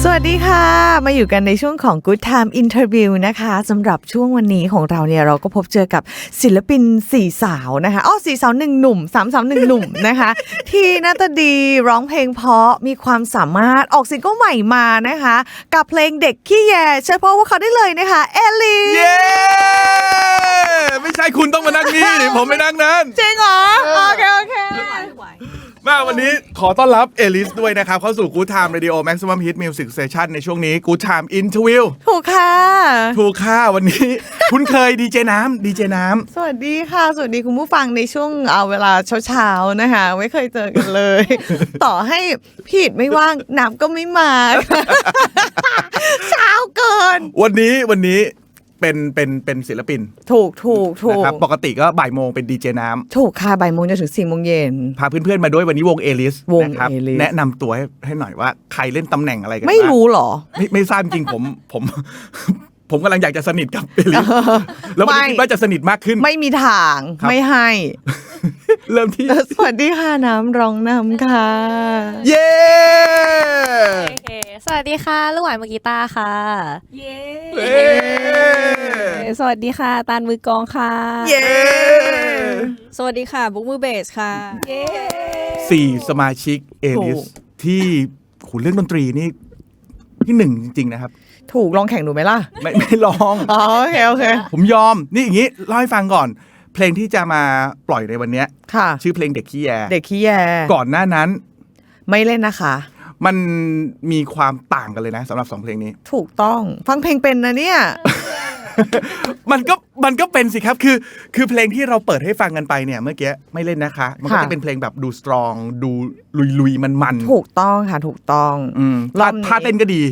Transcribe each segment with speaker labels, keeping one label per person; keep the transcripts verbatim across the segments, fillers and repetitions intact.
Speaker 1: วัสดีค่ะมาอยู่กันในช่วงของ Good Time Interview นะคะสำหรับช่วงวันนี้ของเราเนี่ยเราก็พบเจอกับศิลปินสี่สาวนะคะอ้อสี่สาวหนึ่งหนุ่มสามสาวหนึ่งหนุ่มนะคะที่หน้าตาดีร้องเพลงเพราะมีความสามารถออกซิงเกิลใหม่มานะคะกับเพลงเด็กขี้แยเชิญพบว่าเขาได้เลยนะคะเอลลี่
Speaker 2: เย้ไม่ใช่คุณต้องมานั่งนี่ดิผมไม่นั่งนั้น
Speaker 1: จริงเหรอโอเคโอเค
Speaker 2: มาวันนี้ขอต้อนรับเอลิสด้วยนะครับเข้าสู่ Good Time Radio Maximum Hit Music Station ในช่วงนี้ Good Time Interview
Speaker 1: ถูกค่ะ
Speaker 2: ถูกค่ะวันนี้ คุณเคยดีเจน้ำดีเจน้ำ
Speaker 1: สวัสดีค่ะสวัสดีคุณผู้ฟังในช่วงเอาเวลาเช้าๆนะคะไม่เคยเจอกันเลย ต่อให้ผิดไม่ว่างน้ำก็ไม่มา เช้าเกิน
Speaker 2: วันนี้วันนี้เป็นเป็นเป็นศิลปิน
Speaker 1: ถูกถูกถูก
Speaker 2: นะครับปกติก็บ่ายโมงเป็นดีเจน้ำ
Speaker 1: ถูกค่ะบ่ายโมงจนถึงสี่โมงเย็น
Speaker 2: พาเพื่อนๆมาด้วยวันนี้วงเอลิส
Speaker 1: วง
Speaker 2: นะครับแนะนำตัวให้ให้หน่อยว่าใครเล่นตำแหน่งอะไรกัน
Speaker 1: ไม่รู้หรอ
Speaker 2: ไม่ไม่ทราบจริงผมผมผมกำลังอยากจะสนิทกับเอลิสแล้ววันนี้คิดว่าจะสนิทมากขึ้น
Speaker 1: ไม่มีทางไม่ให้
Speaker 2: เริ่มที่
Speaker 1: สวัสดีค่ะน้ำร้องนำค่ะ
Speaker 2: เย้
Speaker 3: สวัสดีค่ะลูกหวานมือกีตาร์ค่ะเย้สวัสดีค่ะตาลมือกลองค่ะ
Speaker 1: เย้
Speaker 3: สวัสดีค่ะบุ๊กมือเบสค่ะเย้
Speaker 2: สี่สมาชิกเอลิสที่ขุนเรื่องดนตรีนี่ที่หนึ่งจริงๆนะครับ
Speaker 1: ถูกลองแข่งดูไหมล่ะ
Speaker 2: ไม่ไม่ลอง
Speaker 1: อ๋อโอเคโอเค
Speaker 2: ผมยอมนี่อย่างนี้เล่าให้ฟังก่อนเพลงที่จะมาปล่อยในวันนี้ชื่อเพลงเด็กขี้แย
Speaker 1: เด็กขี้แย
Speaker 2: ก่อนหน้านั้น
Speaker 1: ไม่เล่นนะคะ
Speaker 2: มันมีความต่างกันเลยนะสำหรับสองเพลงนี้
Speaker 1: ถูกต้องฟังเพลงเป็นนะเนี่ย
Speaker 2: มันก็มันก็เป็นสิครับคือคือเพลงที่เราเปิดให้ฟังกันไปเนี่ยเมื่อกี้ไม่เล่นนะคะมันก็จะเป็นเพลงแบบดูสตรองดูลุยๆมันๆ
Speaker 1: ถูกต้องค่ะถูกต้อง
Speaker 2: อืมท่าเต้นก็ดี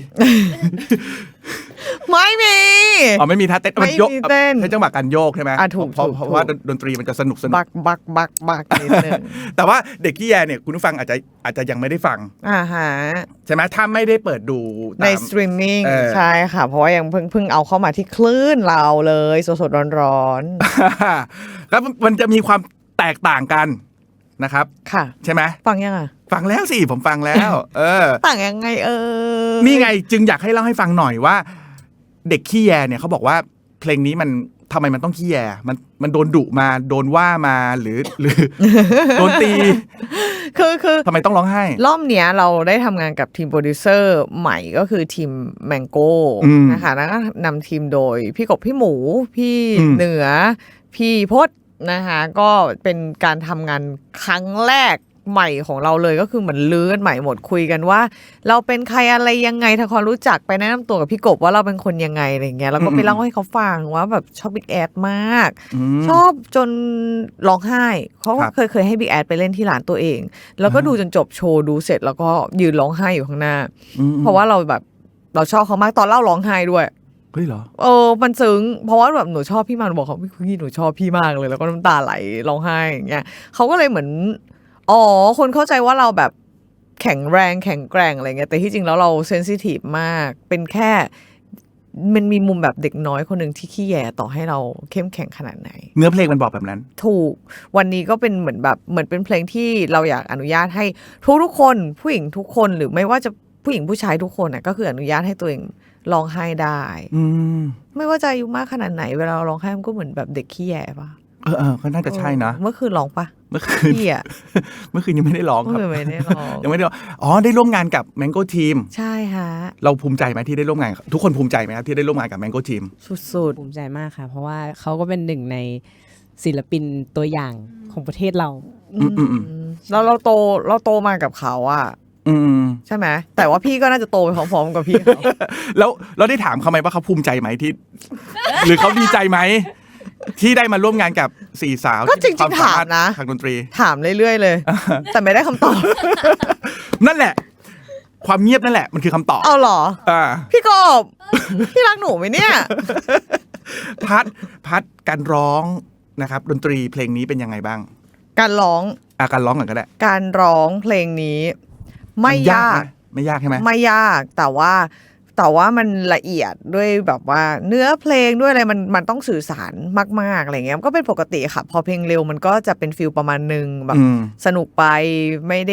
Speaker 1: ไม่มี
Speaker 2: อ๋อไม่มีท่าเต้น
Speaker 1: มัน
Speaker 2: โยก
Speaker 1: เต้น
Speaker 2: ใช้จังหวะการโยกใช่ไหมเพราะเพราะว่าดนตรีมันจะสนุกสนุก
Speaker 1: บักบักบักบักนิดนึง
Speaker 2: แต่ว่าเด็กขี้แยเนี่ยคุณผู้ฟังอาจจะอาจจะยังไม่ได้ฟัง
Speaker 1: อ่าฮะ
Speaker 2: ใช่ไหมถ้าไม่ได้เปิดดู
Speaker 1: ในสตรีมมิ่งใช่ค่ะเพราะว่ายังเพิ่งเพิ่งเอาเข้ามาที่คลื่นเราเลยสดๆร้อน
Speaker 2: ๆแล้วมันจะมีความแตกต่างกันนะครับ
Speaker 1: ค่ะ
Speaker 2: ใช่ไหม
Speaker 1: ฟังยังอ่ะ
Speaker 2: ฟังแล้วสิผมฟังแล้วเออ
Speaker 1: ต่างยังไงเออ
Speaker 2: นี่ไงจึงอยากให้เล่าให้ฟังหน่อยว่าเด็กขี้แยเนี่ยเขาบอกว่าเพลงนี้มันทำไมมันต้องขี้แยมันมันโดนดุมาโดนว่ามาหรือหรือ โดนตี
Speaker 1: คือคือ
Speaker 2: ทำไมต้องร้องไห้
Speaker 1: รอบเนี้ยเราได้ทำงานกับทีมโปรดิวเซอร์ใหม่ก็คือทีมแมงโก้นะคะแล้วก็นำทีมโดยพี่กบพี่หมูพี่เหนือพี่พจน์นะคะก็เป็นการทำงานครั้งแรกใหม่ของเราเลยก็คือเหมือนลื้อกันใหม่หมดคุยกันว่าเราเป็นใครอะไรยังไงถ้าเขารู้จักไปแนะนำตัวกับพี่กบว่าเราเป็นคนยังไงอะไรเงี้ยแล้วก็ไปเล่าให้เขาฟังว่าแบบชอบบิ๊กแอดมากชอบจนร้องไห้เขาเคยเคยให้บิ๊กแอดไปเล่นที่ร้านตัวเองแล้วก็ดูจนจบโชว์ดูเสร็จแล้วก็ยืนร้องไห้อยู่ข้างหน้าเพราะว่าเราแบบเราชอบเขามากตอนเล่าร้องไห้ด้วย
Speaker 2: เฮ้ยเหรอ
Speaker 1: เออมันซึ้งเพราะว่าแบบหนูชอบพี่มาหนูบอกเขาพี่หนูชอบพี่มากเลยแล้วก็น้ำตาไหลร้องไห้อย่างเงี้ยเขาก็เลยเหมือนอ๋อคนเข้าใจว่าเราแบบแข็งแรงแข็งแกร่งอะไรเงี้ยแต่ที่จริงแล้วเราเซนซิทีฟมากเป็นแค่มันมีมุมแบบเด็กน้อยคนหนึ่งที่ขี้แยต่อให้เราเข้มแข็งขนาดไหน
Speaker 2: เนื้อเพลงมันบอกแบบนั้น
Speaker 1: ถูกวันนี้ก็เป็นเหมือนแบบเหมือนเป็นเพลงที่เราอยากอนุญาตให้ทุกทุกคนผู้หญิงทุกคนหรือไม่ว่าจะผู้หญิงผู้ชายทุกคนน่ะก็คืออนุญาตให้ตัวเองร้องไห้ได้ไม่ว่าจะอายุมากขนาดไหนเวลาเราร้องไห้มันก็เหมือนแบบเด็กขี้แยป่ะ
Speaker 2: เออเออก็น่าจะใช่นะ
Speaker 1: เมื่อคืนร้องปะ
Speaker 2: เมื่อคืน
Speaker 1: พี่อ่ะ
Speaker 2: เมื่อคืนยังไม่ได้ร้องครับ
Speaker 1: ไม่ได้ร้อง
Speaker 2: ยังไม่ได้อ๋อได้ร่วมงานกับ Mango Team
Speaker 1: ใช่ฮะ
Speaker 2: เราภูมิใจไหมที่ได้ร่วมงานทุกคนภูมิใจไหมครับที่ได้ร่วมงานกับ Mango Team
Speaker 1: สุด
Speaker 3: ๆภูมิใจมากค่ะเพราะว่าเขาก็เป็นหนึ่งในศิลปินตัวอย่างของประเทศเรา
Speaker 1: แล้วเราโตเราโตมากับเขาอ่ะใช่ไหมแต่ว่าพี่ก็น่าจะโตไปพร้อมๆกับพี่เขา
Speaker 2: แล้วเราได้ถามเขาไหมว่าเขาภูมิใจไหมที่หรือเขาดีใจไหมที่ได้มาร่วมงานกับสี่สาว
Speaker 1: ก็จริงๆถามนะ
Speaker 2: ทางดนตรี
Speaker 1: ถามเรื่อยๆเลยแต่ไม่ได้คำตอบ
Speaker 2: นั่นแหละความเงียบนั่นแหละมันคือคำตอบ
Speaker 1: เอาหรอ
Speaker 2: อ่า
Speaker 1: พี่กบพี่รักหนูไหมเนี่ย
Speaker 2: พัดพัดการร้องนะครับดนตรีเพลงนี้เป็นยังไงบ้าง
Speaker 1: การร้อง
Speaker 2: อ่ะการร้องกันก็ได้
Speaker 1: การร้องเพลงนี้ไม่ยาก
Speaker 2: ไม่ยากใช่ไหม
Speaker 1: ไม่ยากแต่ว่าแต่ว่ามันละเอียดด้วยแบบว่าเนื้อเพลงด้วยอะไรมันมันต้องสื่อสารมากๆอะไรเงี้ยก็เป็นปกติค่ะพอเพลงเร็วมันก็จะเป็นฟีลประมาณนึงแบบสนุกไปไม่ได้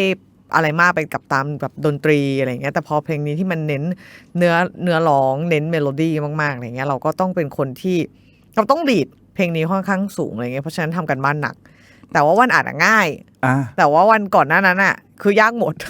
Speaker 1: อะไรมากไปกับตามแบบดนตรีอะไรเงี้ยแต่พอเพลงนี้ที่มันเน้นเนื้อเนื้อร้องเน้นเมโลดี้มากๆอะไรเงี้ยเราก็ต้องเป็นคนที่เราต้องดีดเพลงนี้ค่อนข้างสูงอะไรเงี้ยเพราะฉะนั้นทำกันบ้านหนักแต่ว่าวันอ่านง่ายแต่ว่าวันก่อนหน้านั้นอ่ะคือยากหมด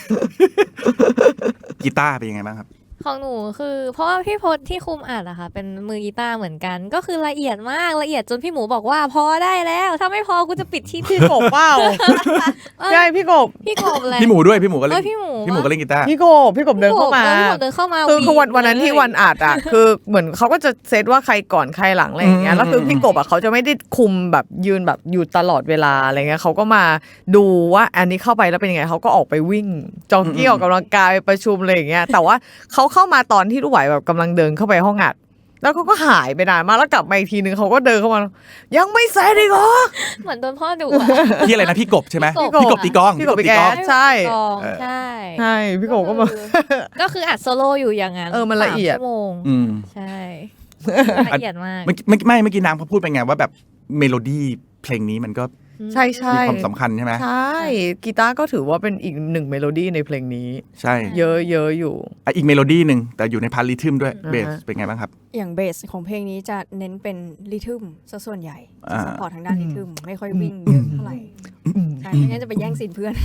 Speaker 2: กีตาร์เป็นยังไงบ้างครับ
Speaker 4: ของหนูคือเพราะว่าพี่พจน์ที่คุมอัดอะค่ะเป็นมือกีตาร์เหมือนกันก็คือละเอียดมากละเอียดจนพี่หมูบอกว่าพอได้แล้วถ้าไม่พอกูจะปิดที่
Speaker 1: พี่กบเปล่าใช่พี่กบ
Speaker 4: พี่กบอะไร
Speaker 2: พี่หมูด้วยพี่หมูก็เล่น
Speaker 4: พี่หมู
Speaker 2: พี่หมูก็เล่นกีตาร์
Speaker 1: พี่กบพี่กบเดินเข้ามา
Speaker 4: พี่กบเดินเข้ามา
Speaker 1: คือคือวันวันนั้นที่วันอัดอะคือเหมือนเขาก็จะเซตว่าใครก่อนใครหลังอะไรอย่างเงี้ยแล้วคือพี่กบอะเขาจะไม่ได้คุมแบบยืนแบบอยู่ตลอดเวลาอะไรเงี้ยเขาก็มาดูว่าอันนี้เข้าไปแล้วเป็นยังไงเขาก็ออกไปวิ่งจ็อกกี้ออกกำลังกายไปประชุมอะไรอย่างเงี้ยแต่ว่าเขาเข้ามาตอนที่ลูกไหวแบบกำลังเดินเข้าไปห้องอัดแล้วเขาก็หายไปนานมากแล้วกลับมาอีกทีนึงเขาก็เดินเข้ามายังไม่เสร็จอีกเหรอ
Speaker 4: เหมือนโดนพ่อดุ
Speaker 2: พี่อะไรนะพี่กบใช่ไหมพี่กบตีกอง
Speaker 1: พี่กบตีกองใช่
Speaker 4: ใช่
Speaker 1: ใช่พี่กบก็มา
Speaker 4: ก็คืออัดโซโล่อยู่อย่างนั้น
Speaker 1: เออมันละเอียด
Speaker 4: ชั่วโมงใช่ละเอียดมาก
Speaker 2: ไม่ไม่เมื่อกี้นางเขาพูดไปไงว่าแบบเมโลดี้เพลงนี้มันก็
Speaker 1: ใช่ใช่
Speaker 2: มีความสำคัญใช่ไหม
Speaker 1: ใช่กีตาร์ก็ถือว่าเป็นอีกหนึ่งเมโลดี้ในเพลงนี้
Speaker 2: ใช่
Speaker 1: เยอะเยอะอยู่
Speaker 2: อีกเมโลดี้หนึ่งแต่อยู่ในพาร์ทริทึมด้วยเบสเป็นไงบ้างครับ
Speaker 5: อย่างเบสของเพลงนี้จะเน้นเป็นริทึมซะส่วนใหญ่จะซัพพอร์ตทางด้านริทึมไม่ค่อยวิ่งเยอะเท่าไหร่ใช่ไม่งั้นจะไปแย่งซีนเพื่อน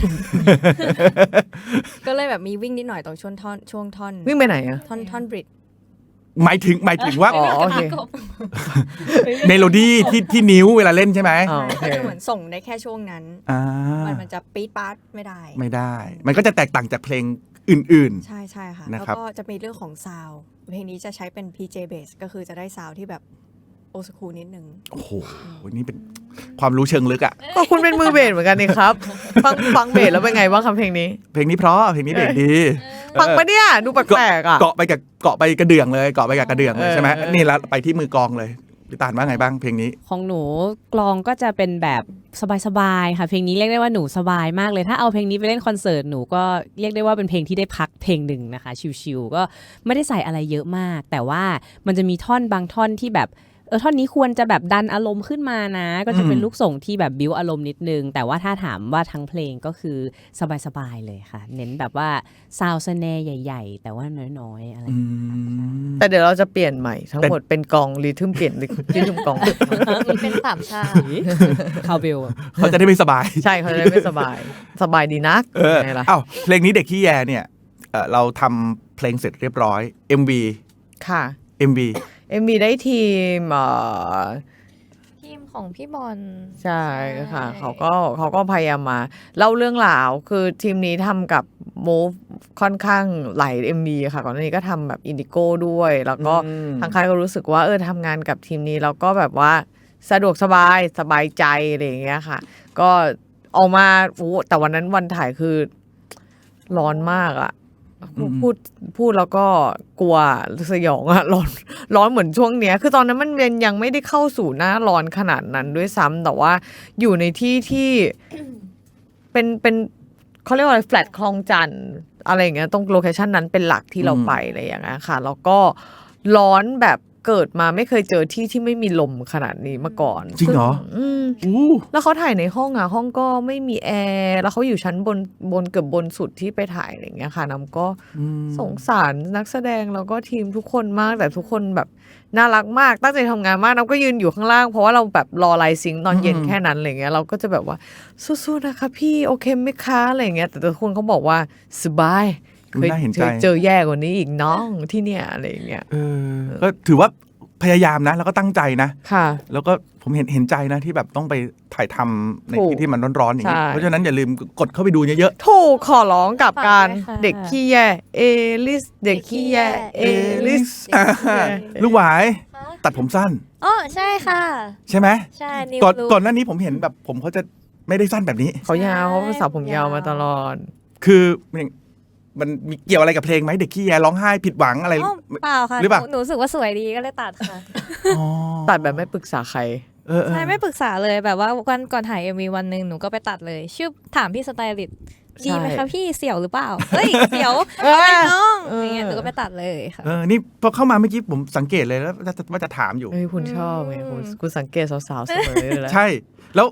Speaker 5: ก็เลยแบบมีวิ่งนิดหน่อยตรงช่วงท่อนช่วงท่อน
Speaker 1: วิ่งไปไหนอะ
Speaker 5: ท่อนท่อนบริด
Speaker 2: หมายถึงหมายถึงว่า
Speaker 1: อ๋อโอเค
Speaker 2: เมโลดี้ที่ที่นิ้วเวลาเล่นใช่ไหม
Speaker 5: ก็จะเหมือนส่งได้แค่ช่วงนั้นมันมันจะปี๊ดป๊าดไม่ได้
Speaker 2: ไม่ได้มันก็จะแตกต่างจากเพลงอื่น
Speaker 5: ๆใช่ใช่ค่ะแล้วก็จะมีเรื่องของซาวด์เพลงนี้จะใช้เป็น พี เจ Bass ก็คือจะได้ซาวด์ที่แบบโอสคูลนิดนึง
Speaker 2: โอ้โหนี่เป็นความรู้เชิงลึกอ่ะ
Speaker 1: ก็คุณเป็นมือเบสเหมือนกันนี่ครับฟังฟังเบสแล้วเป็นไงบ้างครับเพลงนี้
Speaker 2: เพลงนี้เพราะเพลงนี้เบสดี
Speaker 1: ฟังปะเนี่ยดูแปลกๆอ่ะ
Speaker 2: เกาะไปกับเกาะไปกระเดื่องเลยเกาะไปกับกระเดื่องเลยใช่ไหมนี่แล้วไปที่มือกลองเลยพี่ตาลว่าไงบ้างเพลงนี้
Speaker 3: ของหนูกลองก็จะเป็นแบบสบายๆค่ะเพลงนี้เรียกได้ว่าหนูสบายมากเลยถ้าเอาเพลงนี้ไปเล่นคอนเสิร์ตหนูก็เรียกได้ว่าเป็นเพลงที่ได้พักเพลงหนึ่งนะคะชิลๆก็ไม่ได้ใส่อะไรเยอะมากแต่ว่ามันจะมีท่อนบางท่อนที่แบบเออท่อนนี้ควรจะแบบดันอารมณ์ขึ้นมานะก็จะเป็นลูกส่งที่แบบบิ้วอารมณ์นิดนึงแต่ว่าถ้าถามว่าทั้งเพลงก็คือสบายๆเลยค่ะเน้นแบบว่าซาวด์สแนร์ใหญ่ๆแต่ว่าน้อยๆอะไร
Speaker 1: แต่เดี๋ยวเราจะเปลี่ยนใหม่ทั้งหมดเป็นกองรีทึมเปลี่ยนรีทึมกอง
Speaker 4: เป็นสามชา
Speaker 3: คาวเบล
Speaker 2: เขาจะได้ไม่สบาย
Speaker 1: ใช่เขาจะได้ไม่สบายสบายดีนัก
Speaker 2: เอออ้าวเพลงนี้เด็กขี้แยเนี่ยเราทำเพลงเสร็จเรียบร้อย เอ็ม วี
Speaker 1: ค่ะ
Speaker 2: เอ็ม วี
Speaker 1: เอ็ม วี ได้ทีมเอ่อ
Speaker 4: ทีมของพี่บอล
Speaker 1: ใช่ค่ะเขาก็เขาก็พยายามมาเล่าเรื่องราวคือทีมนี้ทำกับ Move ค่อนข้างหลาย เอ็ม วี ค่ะก่อนหน้านี้ก็ทำแบบ Indigo ด้วยแล้วก็ทางค่ายก็รู้สึกว่าเออทำงานกับทีมนี้แล้วก็แบบว่าสะดวกสบายสบายใจอะไรอย่างเงี้ยค่ะก็ออกมาโอ้แต่วันนั้นวันถ่ายคือร้อนมากอะพูดพูดแล้วก็กลัวสยองอะร้อนร้อนเหมือนช่วงเนี้ยคือตอนนั้นมันยังไม่ได้เข้าสู่หน้าร้อนขนาดนั้นด้วยซ้ำแต่ว่าอยู่ในที่ที่เป็นเป็นเขาเรียกว่าอะไรแฟลตคลองจันทร์อะไรอย่างเงี้ยตรงโลเคชันนั้นเป็นหลักที่เราไปอะไรอย่างเงี้ยค่ะแล้วก็ร้อนแบบเกิดมาไม่เคยเจอที่ที่ไม่มีลมขนาดนี้มาก่อน
Speaker 2: จริงเหรอ
Speaker 1: อืมแล้วเขาถ่ายในห้องอะห้องก็ไม่มีแอร์แล้วเขาอยู่ชั้นบนบนเกือบบนสุดที่ไปถ่ายอะไรอย่างเงี้ยค่ะน้ำก็สงสารนักแสดงแล้วก็ทีมทุกคนมากแต่ทุกคนแบบน่ารักมากตั้งใจทำงานมากน้ำก็ยืนอยู่ข้างล่างเพราะว่าเราแบบรอไลฟ์ซิงค์ตอนเย็นแค่นั้นอะไรเงี้ยเราก็จะแบบว่าสู้ๆนะคะพี่โอเคไหมคะอะไรเงี้ยแต่ทุกคนเขาบอกว่าสบายเคยเจอแย่กว่านี้อีกน้องที่เนี่ยอะไรเงี้ย
Speaker 2: เออก็ถือว่าพยายามนะแล้วก็ตั้งใจนะ
Speaker 1: ค่ะ
Speaker 2: แล้วก็ผมเห็นเห็นใจนะที่แบบต้องไปถ่ายทำในที่ที่มันร้อนๆอย่างนี้เพราะฉะนั้นอย่าลืมกดเข้าไปดูเยอะ
Speaker 1: ๆถูกขอร้องกับการเด็กขี้แย่เอลิสเด็กขี้แย่เอลิส
Speaker 2: ลูกหวายตัดผมสั้น
Speaker 4: อ๋อใช่ค่ะ
Speaker 2: ใช่ไหม
Speaker 4: ใช่
Speaker 2: ก่อนก่อนหน้านี้ผมเห็นแบบผมเขาจะไม่ได้สั้นแบบนี้
Speaker 1: เขายาวเขาสาวผมยาวมาตลอด
Speaker 2: คือมันมีเกี่ยวอะไรกับเพลงไหมเด็กขี้แยร้องไห้ผิดหวังอะไร
Speaker 4: เปล่าค่ะหรือเปล่าหนูรู้สึกว่าสวยดีก็เลยตัดค่ะ
Speaker 1: ตัดแบบไม่ปรึกษาใคร
Speaker 4: ใช่ไม่ปรึกษาเลยแบบว่าวันก่อนถ่าย เอ็ม วี วันนึงหนูก็ไปตัดเลยชื่อถามพี่สไตลิสต์ดีไหมคะพี่เสี่ยวหรือเปล่าเฮ้ยเสี่ยวอะไรน้องอย่างเงี้ยหนูก็ไปตัดเลยค่ะ
Speaker 2: เออนี่พอเข้ามาเมื่อกี้ผมสังเกตเลยแล้วว่าจะถามอยู่
Speaker 1: เฮ้ยคุณชอบไงคุณคุณสังเกตสาวๆเสมอเลย
Speaker 2: ใช่แล้ว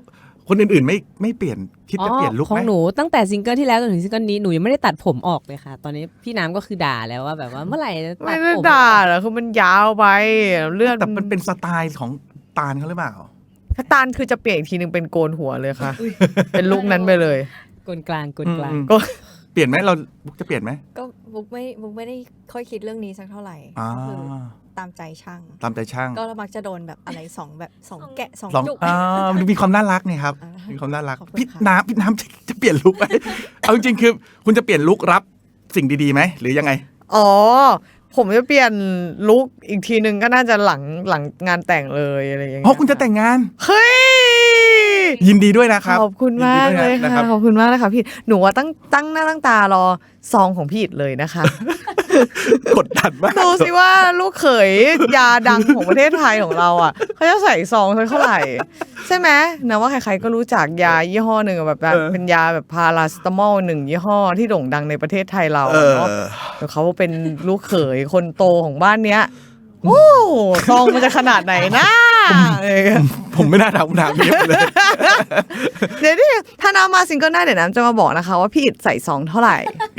Speaker 2: คนอื่นๆไม่ไม่เปลี่ยนคิดจะเปลี่ยนลุค
Speaker 3: ขอ
Speaker 2: ไหม
Speaker 3: งหนูตั้งแต่ซิงเกิลที่แล้วจนถึงซิงเกิลนี้หนูยังไม่ได้ตัดผมออกเลยค่ะ ตอนนี้พี่น้ำก็คือด่าแล้วว่าแบบว่าเมื่อไหร่จะตั
Speaker 1: ไม่
Speaker 3: ด
Speaker 1: ได้
Speaker 3: ผม
Speaker 1: ด่าหรอกคือมันยาวไปเลือด
Speaker 2: แต่มันเป็นสไตล์ของตาลเขาหรือเปล่า
Speaker 1: ถ้าตาลคือจะเปลี่ยนอีกทีนึงเป็นโกนหัวเลยค่ะ เป็นลุคนั้นไปเลย
Speaker 3: กลกลางกลกลาง
Speaker 2: อืม
Speaker 1: ก็
Speaker 2: เปลี่ยนไหมเราจะเปลี่ยนไหม
Speaker 5: ก็บุ๊กไม่บุ๊กไม่ได้ค่อยคิดเรื่องนี้สักเท่าไหร่
Speaker 2: อ่า
Speaker 5: ก็คือตามใจช่าง
Speaker 2: ตามใจช่าง
Speaker 5: ก็มักจะโดนแบบอะไรสองแบบสองแกะสอง
Speaker 2: ลอง
Speaker 5: จุก
Speaker 2: อ่ามันมีความน่ารักนี่ครับ
Speaker 5: อ่ามี
Speaker 2: มีความน่ารัก
Speaker 5: ขอบคุณ
Speaker 2: พี่
Speaker 5: ค่ะ
Speaker 2: น้ำพี่น้ำจะจะเปลี่ยนลุคไหม เอาจริงๆคือ คุณจะเปลี่ยนลุครับสิ่งดีๆไหมหรือยังไง
Speaker 1: อ๋อผมจะเปลี่ยนลุคอีกทีนึงก็น่าจะหลังหลังงานแต่งเลยอะไรอย่างเงี้ย
Speaker 2: เพราะคุณจะแต่งงาน
Speaker 1: เฮ้ย
Speaker 2: ยินดีด้วยนะครับ
Speaker 1: ขอบคุณมากเลย
Speaker 2: นดีด้วยน
Speaker 1: ค่ะขอบคุณมากเลยค่ะพี่หนูว่าตั้งตั้งหน้าตั้งตารอซองของพี่อิดเลยนะคะ
Speaker 2: กดดันมาก
Speaker 1: ดูสิว่าลูกเขยยาดังของประเทศไทยของเราอ่ะเขาจะใส่ซองเท่าไหร่ ใช่ไหมนะว่าใครๆก็รู้จักยายี่ห้อหนึ่งอะแบบแบบ
Speaker 2: เออ
Speaker 1: เป็นยาแบบพาราสตามอลหนึ่งยี่ห้อที่โด่งดังในประเทศไทยเรา
Speaker 2: เออ
Speaker 1: เนาะแต่เขาเป็นลูกเขยคนโตของบ้านเนี้ยโอ้ซองมันจะขนาดไหนนะเออ
Speaker 2: ผมไม่น่าถามคำถามนี้เลย
Speaker 1: เดี๋ยวนี่ถ้าน้ำมาซิงเกิลหน้าเดี๋ยวน้ำจะมาบอกนะคะว่าพี่อิดใส่ซองเท่าไหร่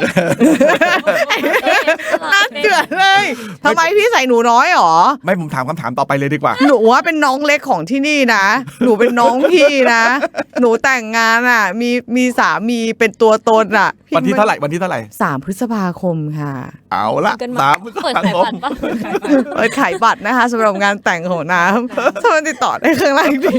Speaker 1: น่าเกลียดเลยทำไมพี่ใส่หนูน้อยหรอ
Speaker 2: ไม่ผมถามคำถามต่อไปเลยดีกว่า
Speaker 1: หนูว่าเป็นน้องเล็กของที่นี่นะ หนูเป็นน้องพี่นะ หนูแต่งงานอ่ะ มีมีสามีเป็นตัวตนอ่ะพี่
Speaker 2: วันที่เท่าไหร่วันที่เท่าไหร่
Speaker 1: สามพฤษภาคมค่ะ
Speaker 2: เอาละ
Speaker 5: กันมา
Speaker 2: สามพฤษ
Speaker 4: เปิด
Speaker 2: ภา
Speaker 4: ขาย
Speaker 2: ค
Speaker 4: บั
Speaker 2: ม
Speaker 4: ตรปะ
Speaker 1: เปิดขายบัตรนะคะสำหรับงานแต่งของน้ำสามารถติดต่อได้ข้างล่างดี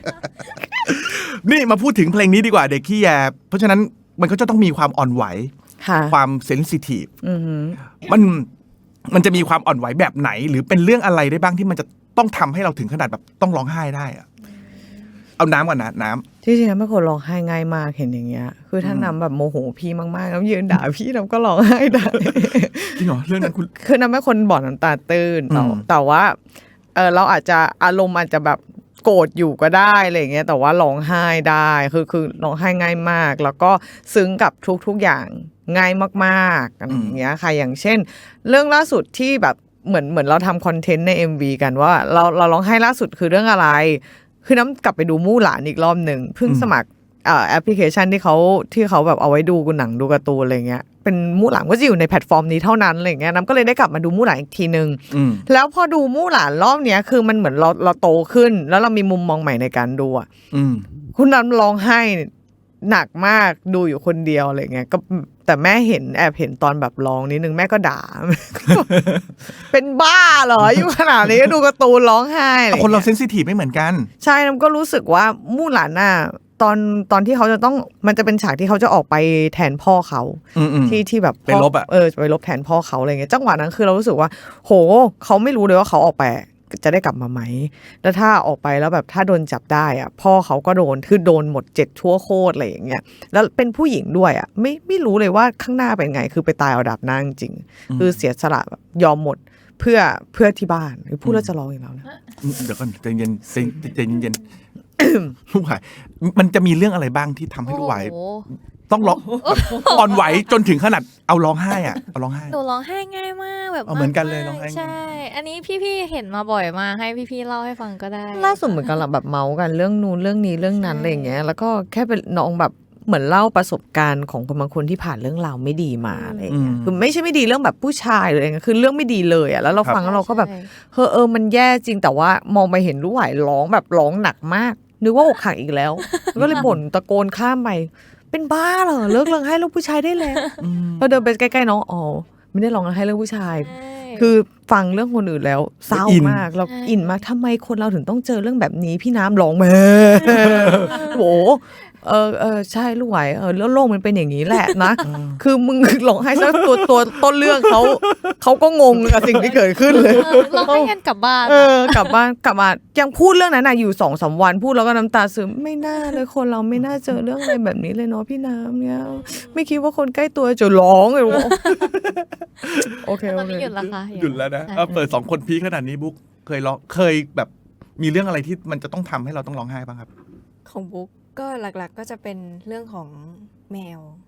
Speaker 2: นี่มาพูดถึงเพลงนี้ดีกว่าเด็กขี้แยเพราะฉะนั้นมันก็จะต้องมีความอ่อนไหว
Speaker 1: ค่ะ
Speaker 2: ความเซนซิทีฟ
Speaker 1: อือหือ
Speaker 2: มันมันจะมีความอ่อนไหวแบบไหน หรือเป็นเรื่องอะไรได้บ้างที่มันจะต้องทำให้เราถึงขนาดแบบต้องร้องไห้ได้อะเอาน้ำก่อนนะน้ำ
Speaker 1: ที่จริงๆน้ำเป็นคนร้องไห้ง่ายมากเห็นอย่างเงี้ย คือถ้าน้ำแบบโมโหพี่มากๆน้ำยืนด่าพี่น้ำก็ร้องไห้ได้
Speaker 2: จริงเหรอเรื่องนั้นคุณ
Speaker 1: คือน้ำเป็นคนบ่อน้ำตาตื้นแต่
Speaker 2: อืม
Speaker 1: แต่ว่าเออเราอาจจะอารมณ์อาจจะแบบโกรธอยู่ก็ได้อะไรอย่างเงี้ยแต่ว่าร้องไห้ได้คือคือร้องไห้ง่ายมาก แล้วก็ซึ้งกับทุกๆอย่างง่ายมากๆอะไรอย่างเงี้ยค่ะอย่างเช่น เรื่องล่าสุดที่แบบเหมือนเหมือนเราทำคอนเทนต์ใน เอ็ม วี กันว่าเราเราร้องไห้ล่าสุดคือเรื่องอะไร คือน้ำกลับไปดูมู่หลานอีกรอบหนึ่งเพิ่งสมัครเอ่อแอปพลิเคชันที่เขาที่เขาแบบเอาไว้ดูหนังดูการ์ตูนอะไรเงี้ยเป็นมู่หลานก็จะอยู่ในแพลตฟอร์มนี้เท่านั้นอะไรเงี้ยน้ำก็เลยได้กลับมาดูมู่หลานอีกทีนึง
Speaker 2: อืม
Speaker 1: แล้วพอดูมู่หลานรอบเนี้ยคือมันเหมือนเราเราโตขึ้น แล้วเรามีมุมมองใหม่ในการดูอ่ะ
Speaker 2: อืม
Speaker 1: คุณน้ำร้องไห้หนักมากดูอยู่คนเดียวอะไรเงี้ยก็แต่แม่เห็นแอบเห็นตอนแบบร้องนิดนึงแม่ก็ด่า เป็นบ้าเหรออยู่ขนาดนี้ก็ดูการ์ตูนร้องไห้อะไร
Speaker 2: คนเรา
Speaker 1: งี้ย
Speaker 2: เซนซิทีฟไม่เหมือนกัน
Speaker 1: ใช่น้ำก็รู้สึกว่ามู่หลานน่ะตอนตอนที่เขาจะต้องมันจะเป็นฉากที่เขาจะออกไปแทนพ่อเขา
Speaker 2: อืมอืม
Speaker 1: ที่ที่แบบ
Speaker 2: ไปรบอะ
Speaker 1: เออไปรบแทนพ่อเขาอะไรเงี้ยจังหวะนั้นคือเรารู้สึกว่า โหเขาไม่รู้เลยว่าเขาออกไปจะได้กลับมาไหมแล้วถ้าออกไปแล้วแบบถ้าโดนจับได้อ่ะพ่อเขาก็โดนคือโดนหมดเจ็ดทั่วโคตรอะไรอย่างเงี้ยแล้วเป็นผู้หญิงด้วยอ่ะไม่ไม่รู้เลยว่าข้างหน้าเป็นไงคือไปตายเอาดาบหน้าจริงๆคือเสียสละแบบยอมหมดเพื่อเพื่อที่บ้านพูดแล้วจะร้องอีกแล้วนะ
Speaker 2: เดี๋ยวก่อนใจเย็นใจใจเย็น ลูกหวายมันจะมีเรื่องอะไรบ้างที่ทำให้ลูกหวาย
Speaker 4: โอ้โห
Speaker 2: ต้องร้องอ่อนไหวจนถึงขนาดเอาร้องไห้อ่ะเอาร้องไห้
Speaker 4: หนูร้องไห้ง่ายมากแบบ
Speaker 2: เอาเหมือนกันเลย
Speaker 4: ากๆ
Speaker 2: ร้องไห้ง่าย
Speaker 4: ใช่ อันนี้พี่ๆเห็นมาบ่อยมากให้พี่ๆเล่าให้ฟังก็ได้
Speaker 1: ล่าสุดเหมือนกันแหละแบบเมาส์กันเรื่องนู้นเรื่องนี้เรื่องนั้นอะไรอย่างเงี้ยแล้วก็แค่เป็นน้องแบบเหมือนเล่าประสบการณ์ของคนบางคนที่ผ่านเรื่องราวไม่ดีมาอะไรอย่างเงี้ยคือไม่ใช่ไม่ดีเรื่องแบบผู้ชายหรืออะไรเงี้ยคือเรื่องไม่ดีเลยอ่ะแล้วเราฟังแล้วเราก็แบบ
Speaker 4: ใช่
Speaker 1: เฮ้อเออมันแย่จริงแต่ว่ามองไปเห็นลูกหวายร้องแบบร้องหนักมากนึกว่าอกหักอีกแล้ว ก็เลยบ่นตะโกนข้ามไปเป็นบ้าเหรอเลิกร้องไห้เรื่องผู้ชายได้แล้วพอเดินไปใกล้ๆน้องอ๋อไม่ได้ร้องไห้เรื่องผู้ชาย
Speaker 4: ใช่
Speaker 1: คือฟังเรื่องคนอื่นแล้วเศร้า
Speaker 2: อิน
Speaker 1: มากเรา
Speaker 4: ใช่
Speaker 1: อินมากทำไมคนเราถึงต้องเจอเรื่องแบบนี้พี่น้ำร้องมาโหเออเออใช่ลูกไหวเออแล้วโลกมันเป็นอย่างนี้แหละนะคือมึงร้องไห้ซะตัวตัวต้นเรื่องเขาเขาก็งงกับสิ่งที่เกิดขึ้นเลย
Speaker 4: เออเราให้กันกลับบ้าน
Speaker 1: เออกลับบ้านกลับมายังพูดเรื่องนั้นน่ะอยู่สองสามวันพูดแล้วก็น้ำตาซึมไม่น่าเลยคนเราไม่น่าเจอเรื่องอะไรแบบนี้เลยเนาะพี่น้ำเนี่ยไม่คิดว่าคนใกล้ตัวจะร้องเลยว่าโอเค
Speaker 4: ต
Speaker 1: โอ
Speaker 4: อน
Speaker 1: เค
Speaker 4: นี้หยุดแล้วค่ะ
Speaker 2: หยุดแล้วนะ
Speaker 4: ใช่
Speaker 2: เอาเปิดสองคนพีคขนาดนี้บุ๊กเคยร้องเคยแบบมีเรื่องอะไรที่มันจะต้องทำให้เราต้องร้องไห้บ้างครับ
Speaker 5: ของบุ๊กก็หลักๆก็จะเป็นเรื่องของแมว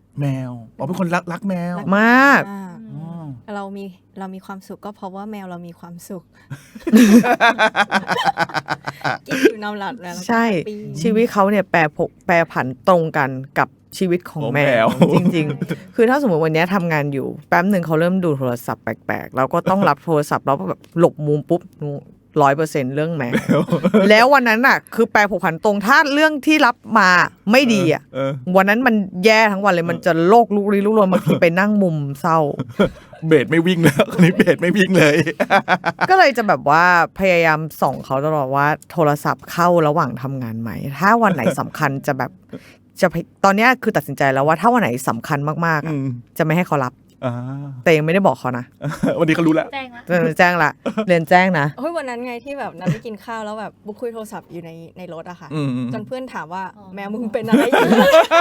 Speaker 2: แมวอ๋อเป็นคนรักรักแมว
Speaker 1: มาก
Speaker 5: อ่า
Speaker 2: อ๋อ
Speaker 5: เรามีเรามีความสุขก็เพราะว่าแมวเรามีความสุข กินอยู่นอนหลับแล้วเราก็
Speaker 1: ใช่
Speaker 5: แฮปปี้
Speaker 1: ชีวิตเขาเนี่ยแปรผกแปรผันตรงกันกับชีวิตของ
Speaker 2: ของ
Speaker 1: แม
Speaker 2: แม
Speaker 1: ว
Speaker 2: ว
Speaker 1: จริงๆ คือถ้าสมมติวันนี้ทำงานอยู่แป๊บหนึ่งเขาเริ่มดูโทรศัพท์แปลกๆเราก็ต้องรับโทรศัพท์แล้วแบบหลบมุมปุ๊บร้อยเปอร์เซ็นต์เรื่องแมว แล้ววันนั้นอ่ะคือแปรผกผันตรงถ้าเรื่องที่รับมาไม่ดีอ่ะ
Speaker 2: เออ
Speaker 1: วันนั้นมันแย่ทั้งวันเลยมันจะโลกลุกลี้ลุกลนบางทีไปนั่งมุมเศร้า
Speaker 2: เบสไม่วิ่งแล้วคนนี้เบสไม่วิ่งเลย
Speaker 1: ก็เลยจะแบบว่าพยายามส่องเขาตลอดว่าโทรศัพท์เข้าระหว่างทำงานไหม ถ้าวันไหนสำคัญจะแบบจะตอนเนี้ยคือตัดสินใจแล้วว่าถ้าวันไหนสำคัญมากๆอะ
Speaker 2: อืม
Speaker 1: จะไม่ให้เขารับ
Speaker 2: อ่า
Speaker 1: แต่ยังไม่ได้บอกเขานะ
Speaker 2: วันนี้เขารู้แล้ว
Speaker 4: แจ้งละ
Speaker 1: เออแจ้งละเรียนแจ้งนะ
Speaker 5: เฮ้ยวันนั้นไงที่แบบนัดไปกินข้าวแล้วแบบบุ๊กคุยโทรศัพท์อยู่ในในรถอะค่ะ
Speaker 2: อืม
Speaker 5: จนเพื่อนถามว่าแมวมึงเป็นอะไรอยู่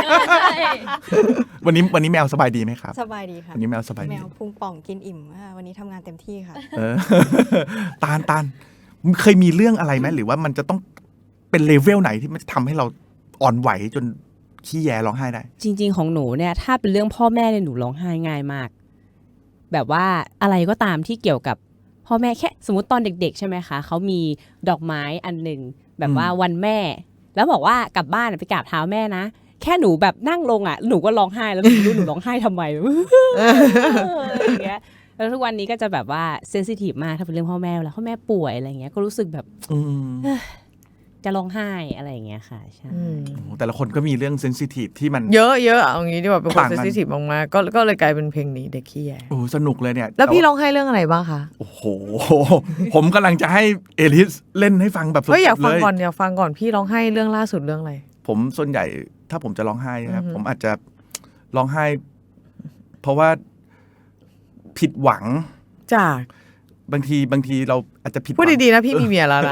Speaker 2: วันนี้วันนี้แมวสบายดีไหมครับ
Speaker 5: สบายดีค่ะ
Speaker 2: วันนี้แมวสบาย
Speaker 5: แม
Speaker 2: ดี
Speaker 5: วพุงป่องกินอิ่มค่ะวันนี้ทำงานเต็มที่ค่ะ
Speaker 2: เออ ตาลตาลเคยมีเรื่องอะไรไหมหรือว่ามันจะต้องเป็นเลเวลไหนที่มันจะทำให้เราอ่อนไหวจนขี้แยร้องไห้ได้
Speaker 3: จริง ๆ ของหนูเนี่ยถ้าเป็นเรื่องพ่อแม่เนี่ยหนูร้องไห้ง่ายมาก แบบว่าอะไรก็ตามที่เกี่ยวกับพ่อแม่แค่สมมติตอนเด็ก ๆ ใช่ไหมคะเขามีดอกไม้อันหนึ่งแบบว่าวันแม่ แล้วบอกว่ากลับบ้านไปกราบเท้าแม่นะแค่หนูแบบนั่งลงอ่ะหนูก็ร้องไห้แล้วหนูไม่รู้หนูร้องไห้ทำไม อะไรอย่างเงี้ยแล้วทุกวันนี้ก็จะแบบว่าเซนซิทีฟมากถ้าเป็นเรื่องพ่อแม่เวลาพ่อแม่ป่วยอะไรเงี้ยก็รู้สึกแบบ
Speaker 2: อืม
Speaker 3: จะร้องไห้อะไรอย่างเงี้ยค่ะใช่
Speaker 1: อืม
Speaker 2: โอ้โหแต่ละคนก็มีเรื่องเซนซิทีฟที่มัน
Speaker 1: เยอะเยอะเอางี้ดีกว่าเป็นคน
Speaker 2: ต่าง
Speaker 1: เซ
Speaker 2: กัน
Speaker 1: นซิทีฟมากๆก็ก็เลยกลายเป็นเพลงนี้เด็กขี้แย
Speaker 2: โอ้โหสนุกเลยเนี่ย
Speaker 1: แล้วพี่
Speaker 2: ต่า
Speaker 1: ร้องไห้เรื่องอะไรบ้างคะ
Speaker 2: โอ้โห ผมกำลังจะให้เอลิสเล่นให้ฟังแบบสดๆ
Speaker 1: เฮ้ยอยากฟัง
Speaker 2: เลย
Speaker 1: ก่อนอยากฟังก่อนพี่ร้องไห้เรื่องล่าสุดเรื่องอะไร
Speaker 2: ผมส่วนใหญ่ถ้าผมจะร้องไห้นะครับ
Speaker 1: อือฮึ
Speaker 2: ผมอาจจะร้องไห้ เพราะว่าผิดหวัง
Speaker 1: จาก
Speaker 2: บางทีบางทีเราอาจจะผิดห
Speaker 1: พูด
Speaker 2: วัง
Speaker 1: ดีๆนะพี่มีเมียแล้วนะ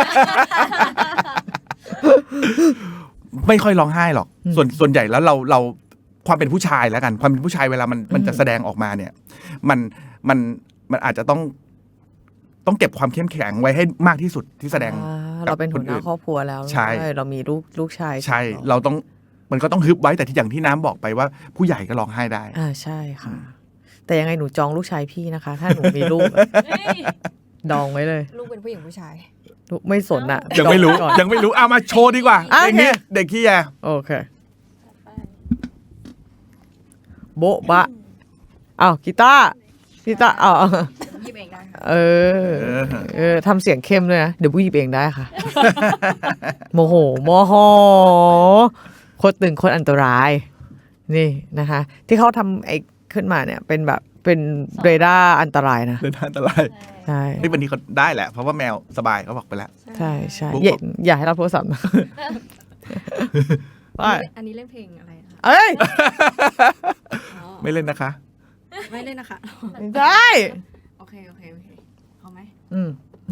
Speaker 2: ไม่ค่อยร้องไห้หรอก
Speaker 1: อืม
Speaker 2: ส่วนส่วนใหญ่แล้วเราเราความเป็นผู้ชายแล้วกัน ความเป็นผู้ชายเวลามันมันจะแสดงออกมาเนี่ย มันมันมันอาจจะต้องต้องเก็บความเข้มแข็งไว้ให้มากที่สุดที่แสดง
Speaker 1: อ่า
Speaker 2: กับ
Speaker 1: เราเป็นหัวหน้า
Speaker 2: คนอื่น
Speaker 1: ครอบครัวแล้ว
Speaker 2: ใช่
Speaker 1: เรามีลูกลูกชาย
Speaker 2: ใช่
Speaker 1: สอง
Speaker 2: เราต้องมันก็ต้องฮึบไว้แต่ที่อย่างที่น้ำบอกไปว่าผู้ใหญ่ก็ร้องไห้ได้
Speaker 1: อ่าใช่ค่ะ แต่ยังไงหนูจองลูกชายพี่นะคะ ถ้าหนูมีลูกอะดองไว้เลย
Speaker 5: ลูกเป็นผู้หญิงผู้ชาย
Speaker 1: ลูกไม่สนอะ
Speaker 2: ยังไม่รู้
Speaker 1: ดองว้ก่อน
Speaker 2: ยังไม่รู้เอามาโชว์ดีกว่า
Speaker 1: อ่ะ
Speaker 2: เพลงนี้
Speaker 1: โอเค
Speaker 2: เด็กขี้แย
Speaker 1: โอเค โบ๊ะบะอ้าวกีตาร์กีตาร์อ้าว
Speaker 5: หยิบเองได้ค่ะ
Speaker 1: เออ เออทำเสียงเข้มด้วยนะ เดี๋ยวบุ้ยหยิบเองได้ค่ะ โมโหโมโหโคตรตึงโคตรอันตราย นี่นะคะ ที่เขาทำไอ้ขึ้นมาเนี่ย เป็นแบบเป็นเรดาร์อันตรายนะ
Speaker 2: เดินทางอันตราย
Speaker 1: ใช่
Speaker 2: นี่วันนี้เขาได้แหละ เพราะว่าแมวสบายเขาบอกไปแล้ว
Speaker 1: ใช่ใช่
Speaker 2: บุ๊ก
Speaker 1: อย่า
Speaker 2: บอก
Speaker 1: อย่าให้รับโทรศัพท์นะไป
Speaker 5: อันนี้เล่นเพลงอะไรนะคะ
Speaker 1: เอ้ย
Speaker 5: อ๋อ
Speaker 2: ไม่เล่นนะคะ
Speaker 5: ไม่เล่นนะคะ
Speaker 1: ไม่ได้
Speaker 5: โอเคโอเคโอเคเอาไหม
Speaker 1: อืม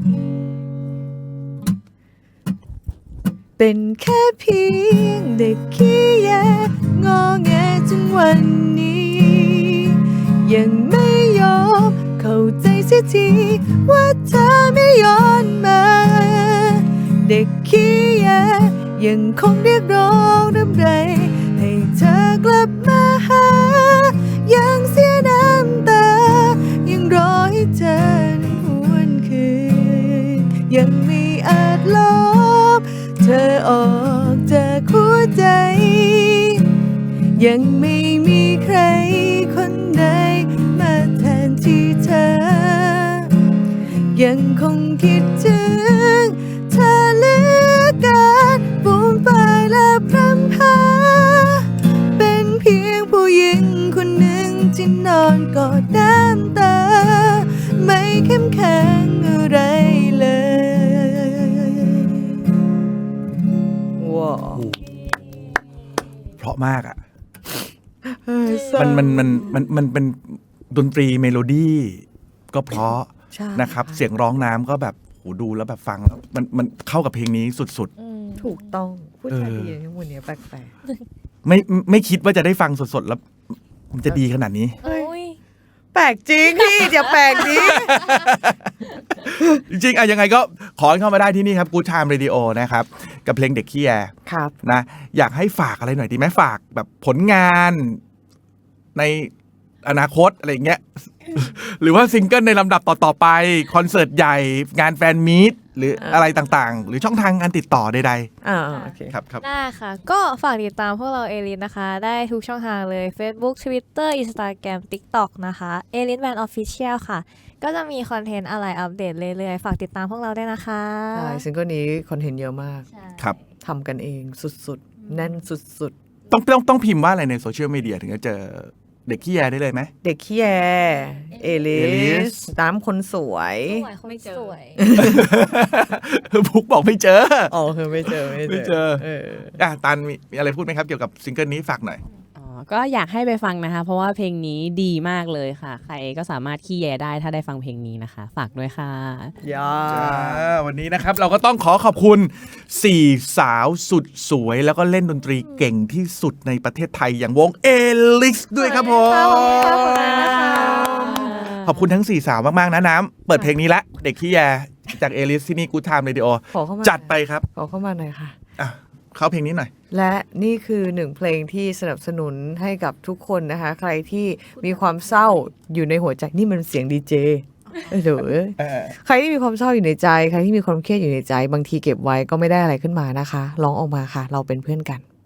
Speaker 1: เป็นแค่เพียงเด็กขี้แยงอแงจนวันนี้ ยังไม่ยอมเข้าใจเสียทีว่าเธอไม่ย้อนมา เด็กขี้แยยังคงเรียกร้องรำไร ให้เธอกลับมาหา ยังเสียน้ำตา ยังรอให้เธอนั้นหวนคืน ยังไม่อาจลบเธอออกจากหัวใจ ยังไม่มีใครคนใดมาแทนที่เธอ ยังคงคิดถึงเธอเหลือเกินฟูมไฟและพรำพา เป็นเพียงผู้หญิงคนหนึ่งที่นอนกอดน้ำตา ไม่เข้มแข็งอะไรเลยว้าว
Speaker 2: เพราะมากอ่ะ มันมันมันมันมันเป็นดนตรีเมโลดี้ก็เพราะ
Speaker 1: ใช่
Speaker 2: นะครับ เสียงร้องน้ำก็แบบโหดูแล้วแบบฟังแล้วมันมันเข้ากับเพลงนี้สุด
Speaker 1: ถูกต้องพูด
Speaker 2: เออ
Speaker 1: จาดีอย่างนี้วันนี้แปลก
Speaker 2: ๆ ไม่ไม่คิดว่าจะได้ฟังสดๆแล้ว มันจะดีขนาดนี้
Speaker 4: โอ้ย
Speaker 1: ๆแปลกจริงพี่อย่าแปลกดิ
Speaker 2: จริงๆอะยังไงก็ขอให้เข้ามาได้ที่นี่ครับ Good Time Radio นะครับ กับเพลงเด็กขี้แย
Speaker 1: ครับ
Speaker 2: นะอยากให้ฝากอะไรหน่อยดีไหมฝากแบบผลงานในอนาคตอะไรอย่างเงี้ย หรือว่าซิงเกิลในลำดับต่อๆไปคอนเสิร์ตใหญ่งานแฟนมีตหรืออะไรต่างๆ หรือช่องทางการติดต่อใด
Speaker 1: อ่าโอเค
Speaker 2: ๆครับครับ
Speaker 4: ได้ค่ะ ก็ฝากติดตามพวกเราเอลิสนะคะ ได้ทุกช่องทางเลย Facebook Twitter Instagram TikTok นะคะเอลิสแบนด์ออฟฟิเชียลค่ะ ก็จะมีคอนเทนต์อะไรอัปเดตเรื่อยๆ ฝากติดตามพวกเราด้วยนะคะ
Speaker 1: ใช่ซิงเกิลนี้คอนเทนต์เยอะมาก
Speaker 4: ใช่
Speaker 2: ครับ
Speaker 1: ทำกันเองสุดๆ แน่นสุด
Speaker 2: ต้องต้องต้องพิมพ์ว่าอะไรในโซเชียลมีเดียถึงจะเจอเด็กขี้แยได้เลยไหม
Speaker 1: ๆ เด็กขี้แยเอลิ
Speaker 2: เอลิ
Speaker 1: ส
Speaker 2: ส
Speaker 1: น้ำคนสวย
Speaker 4: สวยคนสวย
Speaker 2: บุ๊กบอกไม่เจอ
Speaker 1: อ๋อคือไม่เจอ ไม่
Speaker 2: ไม่เจอ
Speaker 1: เออ
Speaker 2: อ่ะตันมีมีอะไรพูดไหมครับเกี่ยวกับซิงเกิลนี้ฝากหน่อย
Speaker 3: อ๋อก็อยากให้ไปฟังนะคะ เพราะว่าเพลงนี้ดีมากเลยค่ะ ใครก็สามารถขี้แยได้ถ้าได้ฟังเพลงนี้นะคะ ฝากด้วยค่ะ
Speaker 1: ยา
Speaker 2: อ่าวันนี้นะครับเราก็ต้องขอขอบคุณสี่สาวสุดสวย แล้วก็เล่นดนตรีเก่งที่สุดในประเทศไทยอย่างวงเอลิสด้วยครับผม ขอบคุณทั้งสี่สาวมาก ๆ นะน้ำเปิดเพลงนี้ละเด็กขี้แยจากเอลิสที่นี่กูไทม์เรดิโอ
Speaker 1: ขอเข้ามา
Speaker 2: จัดไปครับ
Speaker 1: ขอเข้ามาหน่อยค่ะ
Speaker 2: อ่ะเข้าเพลงนี้หน่อย
Speaker 1: และนี่คือหนึ่งเพลงที่สนับสนุนให้กับทุกคนนะคะ ใครที่มีความเศร้าอยู่ในหัวใจนี่มันเสียงดีเจเออเดี๋ยวใครที่มีความเศร้าอยู่ในใจใครที่มีความเครียดอยู่ในใจ บางทีเก็บไว้ก็ไม่ได้อะไรขึ้นมานะคะร้องออกมาค่ะ เราเป็นเพื่อนกัน